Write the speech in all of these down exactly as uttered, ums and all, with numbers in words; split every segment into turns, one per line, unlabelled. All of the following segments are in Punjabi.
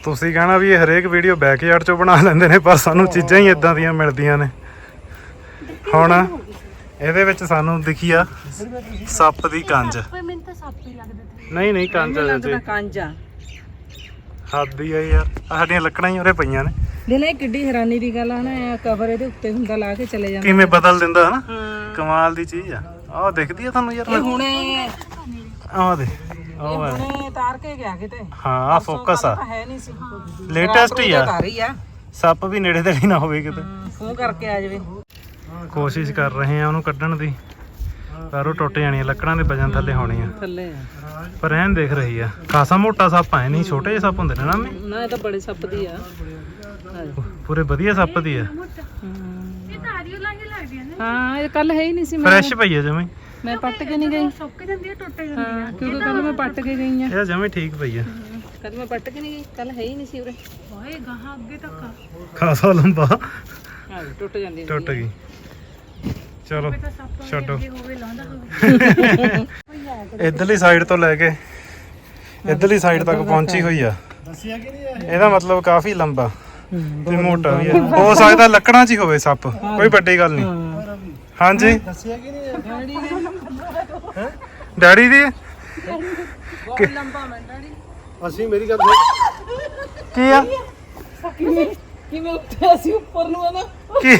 ਤੁਸੀਂ ਕਹਿਣਾ ਵੀ ਇਹ ਹਰੇਕ ਵੀਡੀਓ ਬੈਕਯਾਰਡ ਚੋਂ ਬਣਾ ਲੈਂਦੇ ਨੇ, ਪਰ ਸਾਨੂੰ ਚੀਜ਼ਾਂ ਹੀ ਇਦਾਂ ਦੀਆਂ ਮਿਲਦੀਆਂ ਨੇ। ਹੁਣ ਇਹਦੇ ਵਿੱਚ ਸਾਨੂੰ ਦਿਖੀ ਆ ਸੱਪ ਦੀ ਕੰਜ। ਨਹੀਂ ਨਹੀਂ ਕੰਜ ਆ ਜੀ,
ਕੰਜ ਆ।
ਹੱਦ ਹੀ ਆ ਯਾਰ, ਸਾਡੀਆਂ ਲੱਕੜਾਂ ਹੀ ਉਰੇ ਪਈਆਂ ਨੇ।
ਦਿਲੇ ਕਿੱਡੀ ਹੈਰਾਨੀ ਦੀ ਗੱਲ ਆ ਨਾ, ਕਵਰ ਇਹਦੇ ਉੱਤੇ ਹੁੰਦਾ ਲਾ ਕੇ ਚਲੇ ਜਾਂਦਾ,
ਕਿਵੇਂ ਬਦਲ ਦਿੰਦਾ ਹਨਾ। ਕਮਾਲ ਦੀ ਚੀਜ਼ ਆ। ਆਹ ਦਿਖਦੀ ਆ ਤੁਹਾਨੂੰ ਯਾਰ?
ਹੁਣੇ
ਆਹ ਦੇ
ਉਹ ਹੁਣੇ ਤਾਰ ਕੇ ਗਿਆ ਕਿਤੇ।
ਹਾਂ ਆ ਫੋਕਸ ਆ,
ਹੈ ਨਹੀਂ ਸੀ,
ਲੇਟੈਸਟ ਹੀ ਆ।
ਤਾਰ ਹੀ ਆ,
ਸੱਪ ਵੀ ਨੇੜੇ ਤੇੜੇ ਨਾ ਹੋਵੇ ਕਿਤੇ।
ਫੋਨ ਕਰਕੇ ਆ ਜਾਵੇ।
ਕੋਸ਼ਿਸ਼ ਕਰ ਰਹੇ ਆ ਉਹਨੂੰ ਕੱਢਣ ਦੀ, ਪਰ ਉਹ ਟੁੱਟ ਜਾਣੀ ਆ, ਲੱਕੜਾਂ ਦੇ ਵਜਨ ਥੱਲੇ ਹੋਣੀ ਆ।
ਥੱਲੇ ਆ
ਪਰ ਐਨ ਦੇਖ ਰਹੀ ਆ, ਖਾਸਾ ਮੋਟਾ ਸੱਪ ਆ, ਨਹੀਂ ਛੋਟੇ ਜਿਹੇ ਸੱਪ ਹੁੰਦੇ ਨੇ ਨਾ।
ਨਾ ਇਹ ਤਾਂ ਬੜੇ ਸੱਪ ਦੀ ਆ,
ਪੂਰੇ ਵਧੀਆ ਸੱਪ ਦੀ ਆ।
ਹਾਂ ਇਹ ਕੱਲ ਹੈ ਹੀ ਨਹੀਂ ਸੀ।
ਫਰੈਸ਼ ਪਈ ਆ ਜਮੇ,
ਮੈਂ ਪੱਟ ਕੇ ਨਹੀਂ ਗਈ। ਸੁੱਕ ਜਾਂਦੀ ਹੈ, ਟੁੱਟ ਜਾਂਦੀ ਹੈ, ਕਿਉਂਕਿ ਕੱਲ ਮੈਂ ਪੱਟ ਕੇ ਗਈ ਆ।
ਇਹ ਜਮੇ ਠੀਕ ਪਈ ਆ।
ਕੱਲ ਮੈਂ ਪੱਟ ਕੇ ਨਹੀਂ ਗਈ, ਕੱਲ ਹੈ ਹੀ ਨਹੀਂ ਸੀ ਉਰੇ। ਓਏ ਗਾਹਾਂ ਅੱਗੇ ਤੱਕ
ਖਾਸਾ ਲੰਬਾ
ਹਾਂ ਟੁੱਟ ਜਾਂਦੀ,
ਟੁੱਟ ਗਈ। ਚਲੋ ਛੱਡੋ। ਇਧਰਲੀ ਸਾਈਡ ਤੋਂ ਲੈ ਕੇ ਇਧਰਲੀ ਸਾਈਡ ਤੱਕ ਪਹੁੰਚੀ ਹੋਈ ਆ। ਇਹਦਾ ਮਤਲਬ ਕਾਫੀ ਲੰਬਾ ਤੇ ਮੋਟਾ ਵੀ ਆ। ਹੋ ਸਕਦਾ ਲੱਕੜਾਂ 'ਚ ਹੀ ਹੋਵੇ ਸੱਪ, ਕੋਈ ਵੱਡੀ ਗੱਲ ਨਹੀਂ। ਹਾਂਜੀ ਡੈਡੀ ਦੀ
ਬਹੁਤ ਲੰਬਾ ਮੈਂ ਡੈਡੀ।
ਅਸੀਂ ਮੇਰੀ ਗੱਲ
ਕੀ ਆ?
ਕਿਵੇਂ ਉੱਠਿਆ ਸੀ ਉੱਪਰ ਨੂੰ ਨਾ?
ਕੀ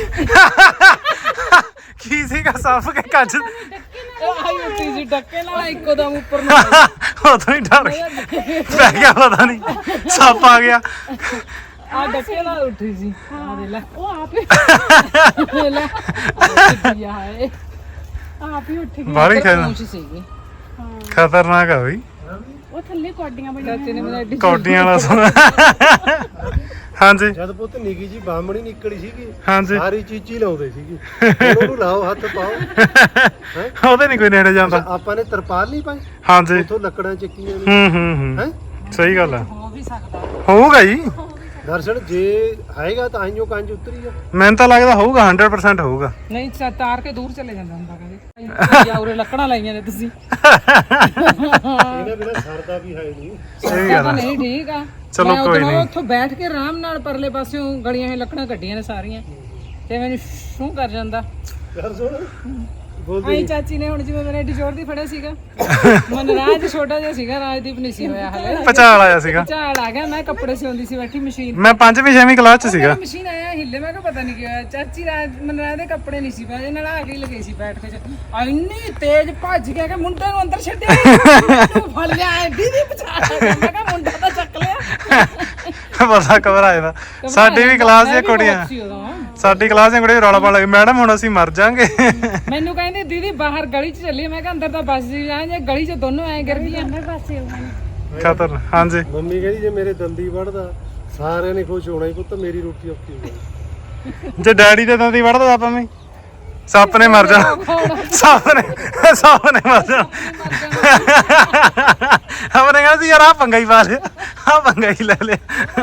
ਕੀ ਸੀਗਾ? ਸੱਪ ਕੇ ਕੱਜ
ਆਈ ਉੱਠੀ ਸੀ ਡੱਕੇ ਨਾਲ, ਇੱਕੋ ਦਮ ਉੱਪਰ ਨੂੰ
ਉਦੋਂ ਹੀ ਡਰ ਪੈ ਗਿਆ, ਪਤਾ ਨਹੀਂ ਸੱਪ ਆ ਗਿਆ।
ਆ ਡੱਕੇ ਨਾਲ ਉੱਠੀ ਸੀ। ਆ ਦੇ ਲੈ, ਉਹ ਆਪੇ ਲੈ ਉੱਠੀ ਆ ਹੈ, ਆਪ ਹੀ ਉੱਠ ਗਈ।
ਬਾਹਲੀ
ਸੀਗੀ,
ਖਤਰਨਾਕ ਆ ਬਈ।
ਉਹ ਥੱਲੇ ਕੋਡੀਆਂ ਬਣੀਆਂ ਨੇ, ਮੇਰਾ ਐਡੀ
ਕੋਡੀਆਂ ਵਾਲਾ ਸੁਣ। ਹਾਂਜੀ
ਜਦ ਪੁੱਤ ਨਿੱਕੀ ਜੀ ਬਾਹਮਣੀ ਨਿਕਲੀ ਸੀਗੀ,
ਹਾਂਜੀ
ਸਾਰੀ ਚੀਚੀ ਲਾਉਂਦੇ ਸੀਗੀ। ਹੁਣ ਉਹਨੂੰ ਲਾਓ, ਹੱਥ ਪਾਓ।
ਉਹਦੇ ਨਹੀਂ ਕੋਈ ਨੇੜੇ ਜਾਂਦਾ।
ਆਪਾਂ ਨੇ ਤਰਪਾਲ ਨਹੀਂ ਪਾਈ,
ਹਾਂਜੀ
ਉਥੋਂ ਲੱਕੜਾਂ ਚੱਕੀਆਂ ਨੇ।
ਹੂੰ ਹੂੰ ਹੂੰ
ਹੈ
ਸਹੀ ਗੱਲ ਆ।
ਹੋ ਵੀ ਸਕਦਾ
ਹੋਊਗਾ ਜੀ
ਦਰਸ਼ਨ, ਜੇ ਆਏਗਾ ਤਾਂ ਆਈਓ ਕੰਜ ਉਤਰੀ ਆ।
ਮੈਨੂੰ ਤਾਂ ਲੱਗਦਾ ਹੋਊਗਾ, ਹੰਡਰਡ ਪਰਸੈਂਟ ਹੋਊਗਾ।
ਨਹੀਂ ਤਾਰ ਕੇ ਦੂਰ ਚਲੇ ਜਾਂਦਾ ਹੁੰਦਾ, ਕਹਿੰਦੇ ਜਾਂ ਉਰੇ ਲੱਕੜਾਂ ਲਾਈਆਂ ਨੇ ਤੁਸੀਂ।
ਇਹਨਾਂ ਬਿਨਾਂ ਸਰਦਾ ਵੀ ਹੈ ਨਹੀਂ।
ਸਹੀ ਗੱਲ ਆ।
ਨਹੀਂ ਠੀਕ ਆ,
ਚਲੋ ਕੋਈ ਨਹੀਂ।
ਉੱਥੋਂ ਬੈਠ ਕੇ ਆਰਾਮ ਨਾਲ ਪਰਲੇ ਪਾਸਿਓਂ ਗਲੀਆਂ ਇਹ ਲੱਕੜਾਂ ਕੱਢੀਆਂ ਨੇ ਸਾਰੀਆਂ, ਤੇ ਮੈਨੂੰ ਸ਼ੂ ਕਰ ਜਾਂਦਾ।
ਕਰ ਸੁਣ
ਆਈ ਚਾਚੀ ਨੇ ਹੁਣ ਜਿਵੇਂ ਮੇਰੇ ਐਡੀ ਜ਼ੋਰ ਦੀ ਫੜਿਆ ਸੀਗਾ, ਮਨਰਾਜ ਛੋਟਾ ਜਿਹਾ ਸੀਗਾ, ਰਾਜਦੀਪ ਨਹੀਂ ਸੀ ਹੋਇਆ ਹਲੇ,
ਪਚਾਲ ਆਇਆ ਸੀਗਾ।
ਝਾਲ ਆ ਗਿਆ। ਮੈਂ ਕੱਪੜੇ ਸਿਉਂਦੀ ਸੀ ਬੈਠੀ ਮਸ਼ੀਨ,
ਮੈਂ ਪੰਜਵੀਂ ਛੇਵੀਂ ਕਲਾਸ ਚ ਸੀਗਾ।
ਮਸ਼ੀਨ ਆਇਆ ਹਿੱਲੇ, ਮੈਂ ਕਿਹਾ ਪਤਾ ਨਹੀਂ ਕੀ ਹੋਇਆ। ਚਾਚੀ ਰਾਜ ਮਨਰਾਜ ਦੇ ਕੱਪੜੇ ਨਹੀਂ ਸੀ ਪਾਏ, ਨਾਲ ਆ ਕੇ ਲੱਗੇ ਸੀ ਬੈਠ ਕੇ। ਇੰਨੀ ਤੇਜ਼ ਭੱਜ ਗਿਆ ਕਿ ਮੁੰਡੇ ਨੂੰ ਅੰਦਰ ਛੱਡਿਆ, ਫੜ ਲਿਆ। ਦੀਦੀ ਪਛਾਣ, ਮੈਂ ਕਿਹਾ ਮੁੰਡਾ ਤਾਂ ਚੱਕ ਲਿਆ।
ਬਸਾ ਕਵਰ ਆਇਆ ਦਾ। ਸਾਡੀ ਵੀ ਕਲਾਸ ਦੀਆਂ ਕੁੜੀਆਂ, ਸਾਡੀ ਕਲਾਸ ਦੀਆਂ ਕੁੜੀਆਂ ਰੌਲਾ ਪਾਉਣ ਲੱਗੀ, ਮੈਡਮ ਹੁਣ ਅਸੀਂ ਮਰ ਜਾਾਂਗੇ।
ਮੈਨੂੰ ਕਹਿੰਦੇ ਦੀਦੀ ਬਾਹਰ ਗਲੀ ਚ ਚੱਲੀਏ, ਮੈਂ ਕਿਹਾ ਅੰਦਰ ਤਾਂ ਬੱਸ ਜੀ ਜਾਂ ਜੇ ਗਲੀ ਚ ਦੋਨੋਂ ਐ ਗਿਰ ਗਈਆਂ।
ਖਤਰ। ਹਾਂਜੀ
ਮੰਮੀ ਕਹਿੰਦੀ ਜੇ ਮੇਰੇ ਦੰਦੀ ਵੜਦਾ ਸਾਰਿਆਂ ਨੇ ਖੁਸ਼ ਹੋਣਾ ਹੀ, ਪੁੱਤ ਮੇਰੀ ਰੋਟੀ ਔਖੀ ਹੋ ਗਈ।
ਜੇ ਡੈਡੀ ਦੇ ਦੰਦੀ ਵੜਦਾ ਆਪਾਂ ਵੀ ਸੱਪ ਨੇ ਮਰ ਜਾਣਾ। ਸੱਪ ਨੇ ਸੱਪ ਨੇ ਮਰ ਜਾਣਾ। ਆਪਣੇ ਕਹਿੰਦੇ ਸੀ ਯਾਰ ਆਹ ਪੰਗਾ ਹੀ ਪਾ ਲਿਆ, ਆਹ ਪੰਗਾ ਹੀ ਲੈ ਲਿਆ।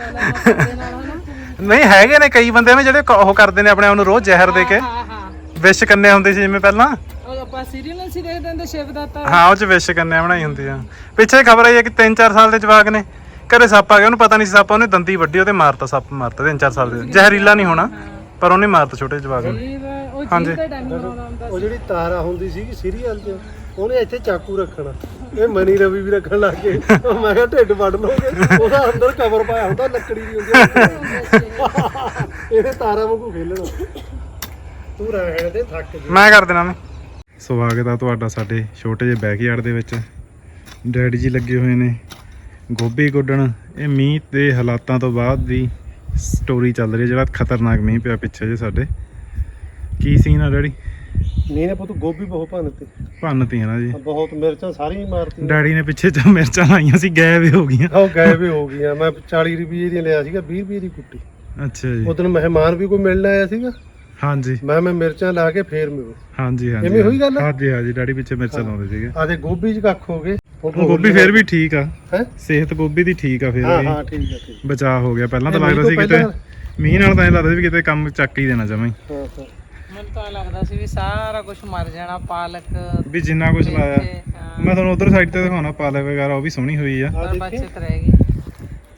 ਨਹੀਂ ਹੈਗੇ ਨੇ ਕਈ ਬੰਦੇ ਨੇ ਜਿਹੜੇ ਉਹ ਕਰਦੇ ਨੇ ਆਪਣੇ ਆਪ ਨੂੰ ਰੋਜ਼ ਜ਼ਹਿਰ ਦੇ ਕੇ। ਵਿਸ਼ ਕੰਨਿਆ ਹੁੰਦੀ ਸੀ ਜਿਵੇਂ ਪਹਿਲਾਂ,
ਉਹ ਆਪਾਂ ਸੀਰੀਅਲ ਸੀ ਦੇਖਦੇ ਹੁੰਦੇ ਸ਼ਿਵ ਦਾਤਾ।
ਹਾਂ ਉਹ ਚ ਵਿਸ਼ ਕੰਨਿਆ ਬਣਾਈ ਹੁੰਦੀ ਆ। ਪਿੱਛੇ ਖਬਰ ਆਈ ਹੈ ਕਿ ਤਿੰਨ ਚਾਰ ਸਾਲ ਦੇ ਜਵਾਕ ਨੇ ਘਰੇ ਸੱਪ ਆ ਗਿਆ, ਉਹਨੂੰ ਪਤਾ ਨਹੀਂ ਸੀ ਸੱਪ, ਉਹਨੇ ਦੰਦੀ ਵੱਢੀ, ਉਹਦੇ ਮਾਰਤਾ, ਸੱਪ ਮਾਰਤਾ। ਤਿੰਨ ਚਾਰ ਸਾਲ ਦੇ, ਜ਼ਹਿਰੀਲਾ ਨਹੀਂ ਹੋਣਾ ਪਰ ਉਹਨੇ ਮਾਰਤਾ ਛੋਟੇ ਜਵਾਕ ਨੂੰ। ਹਾਂਜੀ
ਉਹ ਜਿਹੜੀ ਤਾਰਾ ਹੁੰਦੀ ਸੀਗੀ ਸੀਰੀਅਲ 'ਚ, ਉਹਨੇ ਇੱਥੇ ਚਾਕੂ ਰੱਖਣਾ, ਇਹ ਮਨੀ ਰਵੀ ਵੀ ਰੱਖਣ ਲੱਗ ਗਏ। ਮੈਂ ਕਿਹਾ ਢਿੱਡ ਵੱਢ ਲਓਗੇ, ਉਹਦਾ ਅੰਦਰ ਕਵਰ ਪਾਇਆ ਹੁੰਦਾ, ਲੱਕੜੀ ਦੀ ਹੁੰਦੀ। ਇਹਨੇ ਤਾਰਾ ਵਾਂਗੂ ਖੇਲਣਾ। ਤੂੰ ਰਹਿਣ ਦੇ, ਥੱਕ ਜੀ।
ਮੈਂ ਕਰ ਦੇਣਾ। ਮੈਂ ਸਵਾਗਤ ਆ ਤੁਹਾਡਾ ਸਾਡੇ ਛੋਟੇ ਜਿਹੇ ਬੈਕਯਾਰਡ ਦੇ ਵਿੱਚ। ਡੈਡੀ ਜੀ ਲੱਗੇ ਹੋਏ ਨੇ ਗੋਭੀ ਗੁੱਡਣ। ਇਹ ਮੀਂਹ ਦੇ ਹਾਲਾਤਾਂ ਤੋਂ ਬਾਅਦ ਦੀ ਸਟੋਰੀ ਚੱਲ ਰਹੀ ਹੈ, ਜਿਹੜਾ ਖਤਰਨਾਕ ਮੀਂਹ ਪਿਆ ਪਿੱਛੇ ਜੇ ਸਾਡੇ। ਕੀ ਸੀਨ ਆ ਡੈਡੀ?
ਨਹੀਂ ਨੇ ਪੁੱਤ, ਗੋਭੀ ਬਹੁਤ ਭੰਨਤੀ
ਭੰਨਤੀ ਹੈ ਨਾ ਜੀ,
ਬਹੁਤ। ਮਿਰਚਾਂ ਸਾਰੀਆਂ ਹੀ ਮਾਰਤੀਆਂ।
ਡੈਡੀ ਨੇ ਪਿੱਛੇ ਚ ਮਿਰਚਾਂ ਲਾਈਆਂ ਸੀ, ਗਾਇਬ ਹੋ ਗਈਆਂ।
ਉਹ ਗਾਇਬ ਹੋ ਗਈਆਂ। ਮੈਂ ਚਾਲੀ ਰੁਪਏ ਦੀ ਲਿਆ ਸੀਗਾ, ਵੀਹ ਰੁਪਏ ਦੀ ਕੁੱਟੀ।
ਅੱਛਾ ਜੀ।
ਉਦੋਂ ਮਹਿਮਾਨ ਵੀ ਕੋਈ ਮਿਲਣ ਆਇਆ ਸੀਗਾ।
ਹਾਂਜੀ
ਮੈਂ ਮੈਂ ਮਿਰਚਾਂ ਲਾ ਕੇ ਫੇਰ ਮਿਲੂ।
ਹਾਂਜੀ ਹਾਂਜੀ
ਐਵੇਂ ਹੋਈ ਗੱਲ?
ਹਾਂਜੀ ਹਾਂਜੀ ਡੈਡੀ ਪਿੱਛੇ ਮਿਰਚਾਂ ਲਾਉਂਦੇ ਸੀਗੇ।
ਆਦੇ ਗੋਭੀ ਚ ਕੱਖ ਹੋ ਗਏ।
ਗੋਭੀ ਫੇਰ ਵੀ ਠੀਕ ਆ,
ਹੈ
ਸਿਹਤ ਗੋਭੀ ਦੀ ਠੀਕ ਆ ਫੇਰ
ਹਾਂ
ਵੀ।
ਹਾਂ ਠੀਕ ਆ ਠੀਕ।
ਬਚਾਅ ਹੋ ਗਿਆ। ਪਹਿਲਾਂ ਤਾਂ ਲੱਗਦਾ ਸੀ ਕਿਤੇ ਮੀਂਹ ਨਾਲ ਤਾਂ ਇਹ ਲੱਗਦਾ ਸੀ ਵੀ ਕਿਤੇ ਕੰਮ ਚੱਕ ਹੀ ਦੇਣਾ ਜਮਾਂ ਹੀ।
ਹਾਂ ਹਾਂ
ਮੈਨੂੰ ਤਾਂ ਲੱਗਦਾ ਸੀ ਵੀ ਸਾਰਾ ਕੁਝ ਮਰ ਜਾਣਾ, ਪਾਲਕ
ਵੀ ਜਿੰਨਾ ਕੁਝ ਲਾਇਆ। ਮੈਂ ਤੁਹਾਨੂੰ ਉਧਰ ਸਾਈਡ ਤੇ ਦਿਖਾਉਣਾ, ਪਾਲਕ ਵਗੈਰਾ ਉਹ ਵੀ ਸੋਹਣੀ ਹੋਈ ਆ।
ਪਰ ਬਚਤ ਰਹਿ ਗਈ।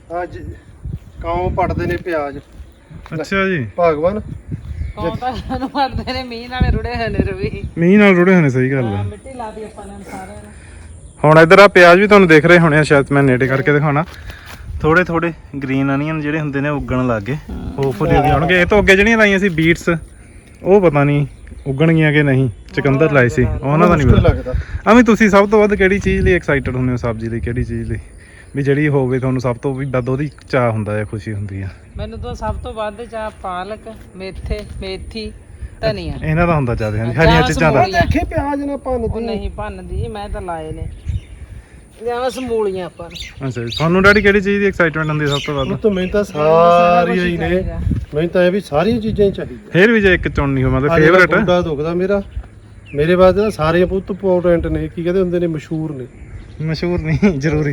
ਅੱਜ ਕਾਉਂ ਪੜਦੇ ਨੇ ਪਿਆਜ਼
ਅੱਛਾ ਜੀ
ਭਗਵਾਨ
ਕੌਣ ਤਾਂ ਸਾਨੂੰ ਮਰਦੇ ਨੇ ਮੀਂਹ ਨਾਲ ਰੁੜੇ ਹੋਏ ਨੇ ਰਵੀ
ਮੀਂਹ ਨਾਲ ਰੁੜੇ ਹੋਣੇ ਸਹੀ ਗੱਲ ਆ
ਮਿੱਟੀ ਲਾ ਦੀ ਆਪਾਂ ਨੇ ਸਾਰਿਆਂ ਨੇ
ਹੁਣ ਇੱਧਰ ਆ ਪਿਆਜ਼ ਵੀ ਤੁਹਾਨੂੰ ਦਿਖ ਰਹੇ ਹੋਣੇ ਆ ਸ਼ਾਇਦ ਮੈਂ ਨੇੜੇ ਕਰਕੇ ਦਿਖਾਉਣਾ ਥੋੜੇ ਥੋੜੇ ਗ੍ਰੀਨ ਅਨੀਅਨ ਜਿਹੜੇ ਹੁੰਦੇ ਨੇ ਉੱਗਣ ਲੱਗ ਗਏ ਹੋਪਫੁਲੀ ਉੱਗੇ ਹੋਣਗੇ ਇਹ ਤੋਂ ਅੱਗੇ ਜਿਹੜੀਆਂ ਲਾਈਆਂ ਸੀ ਬੀਟਸ ਉਹ ਪਤਾ ਨਹੀਂ ਉੱਗਣਗੀਆਂ ਕਿ ਨਹੀਂ ਚਕੰਦਰ ਲਾਏ ਸੀ ਉਹਨਾਂ ਦਾ ਨਹੀਂ
ਮੁਸ਼ਕਿਲ
ਪਤਾ
ਲੱਗਦਾ
ਐਵੇਂ ਤੁਸੀਂ ਸਭ ਤੋਂ ਵੱਧ ਕਿਹੜੀ ਚੀਜ਼ ਲਈ ਐਕਸਾਈਟਡ ਹੁੰਦੇ ਹੋ ਸਬਜ਼ੀ ਲਈ ਕਿਹੜੀ ਚੀਜ਼ ਲਈ ਵੀ ਜਿਹੜੀ ਹੋਵੇ ਤੁਹਾਨੂੰ ਸਭ ਤੋਂ ਵੀ ਵੱਧ ਉਹਦੀ ਚਾਹ ਹੁੰਦਾ ਹੈ ਖੁਸ਼ੀ ਹੁੰਦੀ ਆ
ਮੈਨੂੰ ਤਾਂ ਸਭ ਤੋਂ ਵੱਧ ਚਾਹ ਪਾਲਕ ਮੇਥੇ ਮੇਥੀ ਧਨੀਆ
ਇਹਨਾਂ ਦਾ ਹੁੰਦਾ ਜ਼ਿਆਦਾ ਹਾਂਜੀ ਹਰੀਆਂ ਚੀਜ਼ਾਂ ਦਾ
ਦੇਖੇ ਪਿਆਜ਼ ਨਾ
ਉਹ
ਭੰਨਦੀ
ਨਹੀਂ ਭੰਨਦੀ ਮੈਂ ਤਾਂ ਲਾਏ ਨੇ ਜਿਵੇਂ ਸਮੂਲੀਆਂ ਆਪਾਂ ਨੂੰ।
ਅੱਛਾ ਜੀ ਤੁਹਾਨੂੰ ਡੈਡੀ ਕਿਹੜੀ ਚੀਜ਼ ਦੀ ਐਕਸਾਈਟਮੈਂਟ ਹੁੰਦੀ ਹੈ ਸਭ ਤੋਂ ਵੱਧ
ਉਹ ਤਾਂ ਮੈਨੂੰ ਤਾਂ ਸਾਰੀਆਂ ਹੀ ਨੇ ਮੈਨੂੰ ਤਾਂ ਇਹ ਵੀ ਸਾਰੀਆਂ ਚੀਜ਼ਾਂ ਹੀ ਚਾਹੀਦੀਆਂ
ਫੇਰ ਵੀ ਜੇ ਇੱਕ ਚੁਣਨੀ ਹੋ ਮਤਲਬ
ਅੱਜ ਮੇਰਾ
ਫੇਵਰਟ
ਗੋਡਾ ਦੁਖਦਾ ਮੇਰਾ ਮੇਰੇ ਵਾਸਤੇ ਤਾਂ ਸਾਰੇ ਬਹੁਤ ਇੰਪੋਰਟੈਂਟ ਨੇ ਕੀ ਕਹਿੰਦੇ ਹੁੰਦੇ ਨੇ ਮਸ਼ਹੂਰ ਨੇ
ਮਸ਼ਹੂਰ ਨਹੀਂ ਜ਼ਰੂਰੀ